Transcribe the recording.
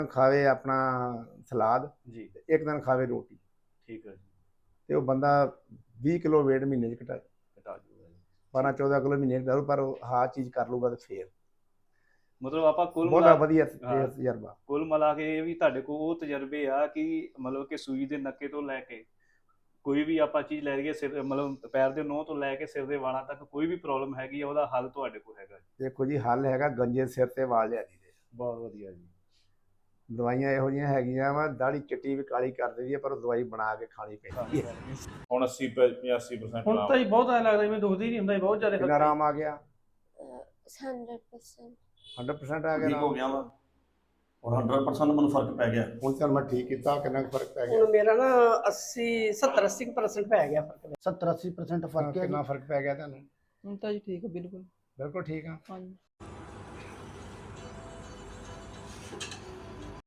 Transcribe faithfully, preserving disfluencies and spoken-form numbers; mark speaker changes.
Speaker 1: ਖਾਵੇ ਆਪਣਾ ਸਲਾਦ
Speaker 2: ਜੀ
Speaker 1: ਇੱਕ ਦਿਨ ਖਾਵੇ ਰੋਟੀ
Speaker 2: ਠੀਕ ਹੈ ਜੀ
Speaker 1: ਤੇ ਉਹ ਬੰਦਾ ਵੀਹ ਕਿਲੋ weight ਮਹੀਨੇ 'ਚ ਘਟਾ
Speaker 2: ਘਟਾ ਜੂਗਾ ਜੀ
Speaker 1: ਬਾਰਾਂ ਚੌਦਾਂ ਕਿਲੋ ਮਹੀਨੇ 'ਚ ਘਟਾਊ, ਪਰ ਉਹ ਆਹ ਚੀਜ਼ ਕਰ ਲੂਗਾ ਤੇ ਫੇਰ
Speaker 2: ਮਤਲਬ ਆਪਾਂ ਕੁੱਲ
Speaker 1: ਬਹੁਤਾ
Speaker 2: ਮਿਲਾ
Speaker 1: ਵਧੀਆ
Speaker 2: ਹਾਂ
Speaker 1: ਇਹ ਤਜਰਬਾ।
Speaker 2: ਕੁੱਲ ਮਿਲਾ ਕੇ ਇਹ ਵੀ ਤੁਹਾਡੇ ਕੋਲ ਉਹ ਤਜਰਬੇ ਆ ਕਿ ਮਤਲਬ ਕਿ ਸੂਈ ਦੇ ਨੱਕੇ ਤੋਂ ਲੈ ਕੇ ਕੋਈ ਵੀ ਆਪਾਂ ਚੀਜ਼ ਲੈ ਲਈਏ ਸਿਰ ਮਤਲਬ ਪੈਰ ਦੇ ਨੋਹ ਤੋਂ ਲੈ ਕੇ ਸਿਰ ਦੇ ਵਾਲਾਂ ਤੱਕ ਕੋਈ ਵੀ ਪ੍ਰੋਬਲਮ ਹੈਗੀ ਆ ਉਹਦਾ ਹੱਲ ਤੁਹਾਡੇ ਕੋਲ ਹੈਗਾ ਜੀ।
Speaker 1: ਦੇਖੋ ਜੀ ਹੱਲ ਹੈਗਾ ਗੰਜੇ ਸਿਰ ਤੇ ਵਾਲ ਲਿਆ ਦੀ ਦੇ।
Speaker 2: ਬਹੁਤ ਵਧੀਆ ਜੀ।
Speaker 1: ਦਵਾਈਆਂ ਇਹੋ ਜਿਹੀਆਂ ਹੈਗੀਆਂ ਵਾ ਦਾੜੀ ਚਿੱਟੀ ਵੀ ਕਾਲੀ ਕਰ ਦਿੰਦੀ ਹੈ, ਪਰ ਉਹ ਦਵਾਈ ਬਣਾ ਕੇ ਖਾਣੀ ਪੈਂਦੀ ਹੈ।
Speaker 3: ਹੁਣ ਅੱਸੀ ਪਚਾਸੀ percent
Speaker 4: ਹੁਣ ਤਾਂ ਹੀ ਬਹੁਤ ਐਂ ਲੱਗਦਾ ਜਿਵੇਂ ਦੁਖਦੀ ਨਹੀਂ ਹੁੰਦਾ, ਬਹੁਤ ਜ਼ਿਆਦਾ
Speaker 1: ਕਿੰਨਾ ਆਰਾਮ ਆ ਗਿਆ?
Speaker 5: ਹੰਡਰਡ ਪਰਸੈਂਟ
Speaker 1: ਹੰਡਰਡ ਪਰਸੈਂਟ ਆ ਗਿਆ
Speaker 3: ਠੀਕ ਹੋ
Speaker 1: ਆਰਾਮ।
Speaker 3: ਗਿਆ ਵਾ ਔਰ ਹੰਡਰਡ ਪਰਸੈਂਟ ਮੈਨੂੰ ਫਰਕ ਪੈ ਗਿਆ।
Speaker 1: ਹੁਣ ਚੱਲ ਮੈਂ ਠੀਕ ਕੀਤਾ, ਕਿੰਨਾ ਕੁ ਫਰਕ ਪੈ ਗਿਆ?
Speaker 4: ਹੁਣ ਮੇਰਾ ਨਾ ਅੱਸੀ ਸੱਤਰ ਅੱਸੀ ਪਰਸੈਂਟ ਪੈ ਗਿਆ ਫਰਕ।
Speaker 6: ਸੱਤਰ ਅੱਸੀ percent ਫਰਕ ਹੈ।
Speaker 1: ਕਿੰਨਾ ਫਰਕ ਪੈ ਗਿਆ ਤੁਹਾਨੂੰ?
Speaker 6: ਹੁਣ ਤਾਂ ਜੀ ਠੀਕ ਹੈ, ਬਿਲਕੁਲ
Speaker 1: ਬਿਲਕੁਲ ਠੀਕ ਆ।
Speaker 6: ਹਾਂਜੀ।